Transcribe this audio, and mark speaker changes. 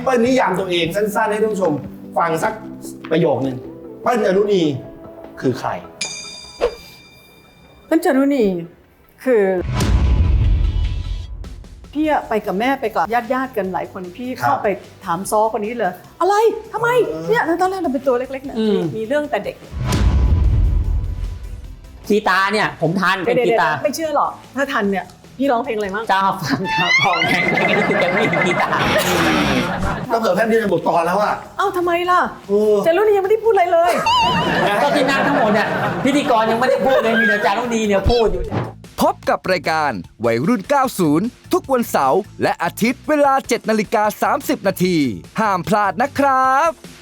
Speaker 1: เปิ้ลนิยามตัวเองสั้นๆให้ท่านผู้ชมฟังสักประโยคนึงเปิ้ลจารุณีคือใคร
Speaker 2: เปิ้ลจารุณีคือพี่ไปกับแม่ไปกับญาติกันหลายคนพี่เข้าไปถามซ้อคนนี้เลยอะไรทำไมเนี่ยตอนแรกเราเป็นตัวเล็กๆเนี่ยมีเรื่องแต่เด็ก
Speaker 3: กีตาร์เนี่ยผมทันเป็นกีตาร์
Speaker 2: ไม่เชื่อหรอกถ้าทันเนี่ยพี่ร้องเพลงอะไรมั่ง
Speaker 3: เจ้าฟังครับพอแข่งกันนี่คือจะไม่มีกีตาร์
Speaker 1: ก็เกิดแค่นี้จะบทกรแล้วอะ
Speaker 2: เอ้าทำไมล่ะจารุณียังไม่ได้พูดอะไรเลย
Speaker 3: ก็ที่นั่งทั้งหมดเนี่ยพิธีกรยังไม่ได้พูดเลยมีแต่จารุณีเนี่ยพูดอยู่
Speaker 4: พบกับรายการวัยรุ่น 90 ทุกวันเสาร์และอาทิตย์เวลา 7:30 น.ห้ามพลาดนะครับ